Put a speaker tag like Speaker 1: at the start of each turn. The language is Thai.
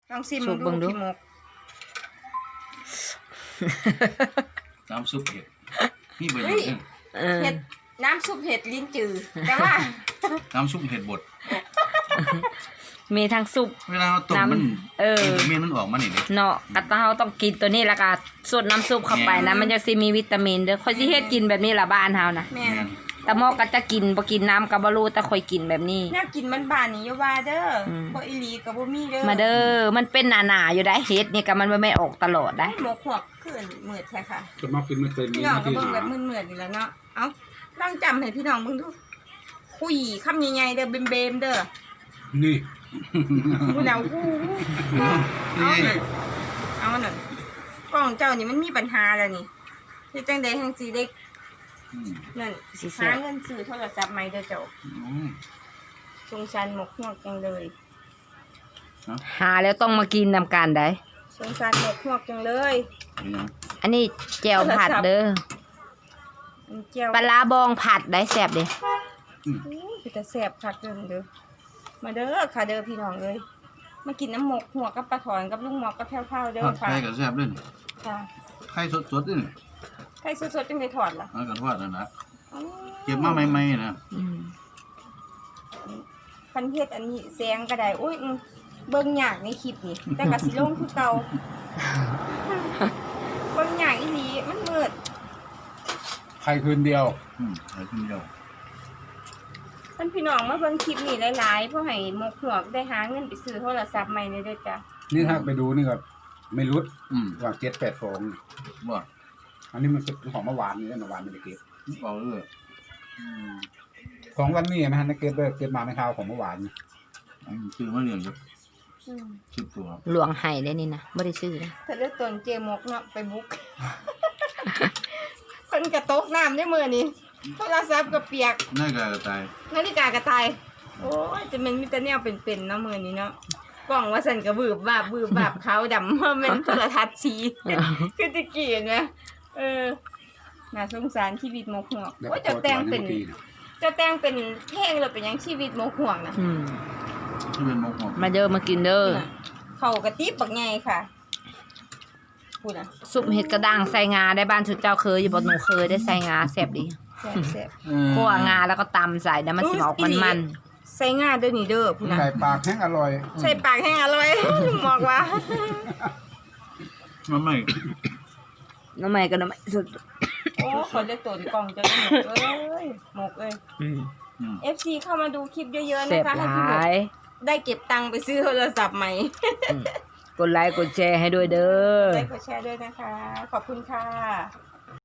Speaker 1: ลองชิมดูพี่มก
Speaker 2: น้ำซุปเห็ดนี่เป็นยังไง
Speaker 1: เห็ดน้ำซุปเห็ดลิ้นจือแต่ว่า
Speaker 2: น้ำซุปเห็ดบด
Speaker 3: มีทั้งซุป
Speaker 2: เวลาเราต้มมันเมนมันออกมาหนิเ
Speaker 3: นาะกะเฮาต้องกินตัวนี้แล้วก็สดน้ำซุปเข้าไปนะมันจะสิมีวิตามินเด้อค่อยสิเฮ็ดกินแบบนี้ล่ะบ้านเฮานะ
Speaker 1: แม่น
Speaker 3: แต่หมอก็จะกินบ่กินน้ำก็บ่รู้แต่ค่อยกินแบบนี้
Speaker 1: แนวกินบ้านๆนี่อย่าว่าเด้อบ่อีหลีก็บ่มีเด้อ
Speaker 3: มาเด้อมันเป็นหนาๆอยู่ได้เฮ็ดนี่ก็มันไม่ออกตลอดได้
Speaker 1: หมกหัวขึ้นมืดแท้ค่ะ
Speaker 2: จะมากินไม่เป็น
Speaker 1: พี่น้องก็เบิ่งแบบมืดๆนี่แหละเนาะเอ้าลองจำให้พี่น้องเบิ่งดูคุยคำใหญ่ๆเด้อเบมๆเด้อ
Speaker 2: นี่
Speaker 1: กูเดากูเอาหน่อยกล้องเจ้านี่มันมีปัญหาแล้วนี่ที่จังใดทางสีเด็กนั่นหาเงินซื้อโทรศัพท์ใหม่เด้อเจ้าสงสารหมกหัวจังเลย
Speaker 3: หาแล้วต้องมากินนำกันได้
Speaker 1: สงสารหมกหัวจังเลย
Speaker 3: อันนี้แจ่วผัดเด้อปลาบองผัดได้แซ่บดิ
Speaker 1: คือแต่แซ่บผัดเด้อมาเด้อค่ะเด้อพี่น้องเลยมากินน้ำหมกหัวกับปลาถอนกับลุงหมอกกับแพ้วๆเด้อค่ะ
Speaker 2: ไข่กับแซ่บด้วย
Speaker 1: ค่ะ
Speaker 2: ไข่สดๆด้วย
Speaker 1: ไข่สดๆจังได้ถอดล่ะ
Speaker 2: ก็ทอดนั่นนะเก็บมาใหม่ๆนะ
Speaker 1: พันเฮ็ดอันนี้แซงก็ได้โอ้ยเบิ่งยากในคลิปนี่แต่ก็สิลงคือเก่าเบิ่งยากอีหลีมันมืด
Speaker 2: ไข่คืนเดียวไข่คืนเดียว
Speaker 1: ท่านพี่น้องมาเบิ่งคลิปนี้หลายๆเพื่อให้หมกหัวได้หาเงินไปซื้อโทรศัพท์ใหม่เลยเด้อจ้ะ
Speaker 4: นี่ถ้าไปดูนี่ก็ไม่รุดว่า7-8 ฟอง
Speaker 2: ว่า
Speaker 4: อันนี้มันเป็นของเมื่อวานนี่เมื่อวานไม่ได้เก็บ
Speaker 2: เอาเลย
Speaker 4: ของวันนี้นะฮะนักเก็บเลยเก็บมาไม่เท่าของเมื่อวาน
Speaker 2: ซื้อมาเรียนครับซื้อตัว
Speaker 3: หลวงไห้ได้นี่นะไม่ได้ซื้อนะ
Speaker 1: ถ้าเลือกตนเจมกเนาะไปบุกคนกระตกน้ำได้มือนี่โทรศัพท์ก็เปียก
Speaker 2: นาฬิกากระต่าย
Speaker 1: กระต่ายโอ้ยจะเป็นมิตรแนวเป็นๆเนาะมือนี้เนาะกล่องว่าสันกระบืบบาบขาวดำเมื่อมันโทรทัศน์ชีคือจะกี่นะน่าสงสารชีวิตหมกหัวว่าจะแต่งเป็นเพลงหรือเป็นยังชีวิตหมกหัวนะ
Speaker 2: ชีวิตหมกหัว
Speaker 3: มาเด้อมากินเด้อ
Speaker 1: เขากระติบบักไงค่ะพูดนะ
Speaker 3: ซุปเห็ดกระด้างใส่งาได้บ้านชุดเจ้าเคยอยู่บ่หนูเคยได้ใส่งาแซ่บดี
Speaker 1: แซ่บ
Speaker 3: คั่วงาแล้วก็ตำใส่แล้วมันสิออกมัน
Speaker 1: ใส่งาเด้อนี่เด้อพูดนะ
Speaker 4: ใส่ปากแห้งอร่อย
Speaker 1: ใส่ปากแห้งอร่อยบอกว่า
Speaker 2: น้ำใหม่
Speaker 3: ก็น้ำใหม่สุด
Speaker 1: โอ้คนได้ตัวกล่องจะหมกเอ้ยหมกเอ้ยFC เข้ามาดูคลิปเยอะๆนะคะให้พี่หมกได้เก็บตังค์ไปซื้อโทรศัพท์ใหม่
Speaker 3: กดไลค์กดแชร์ให้ด้วยเด้อ
Speaker 1: ไลค์กดแชร์ด้วยนะคะขอบคุณค่ะ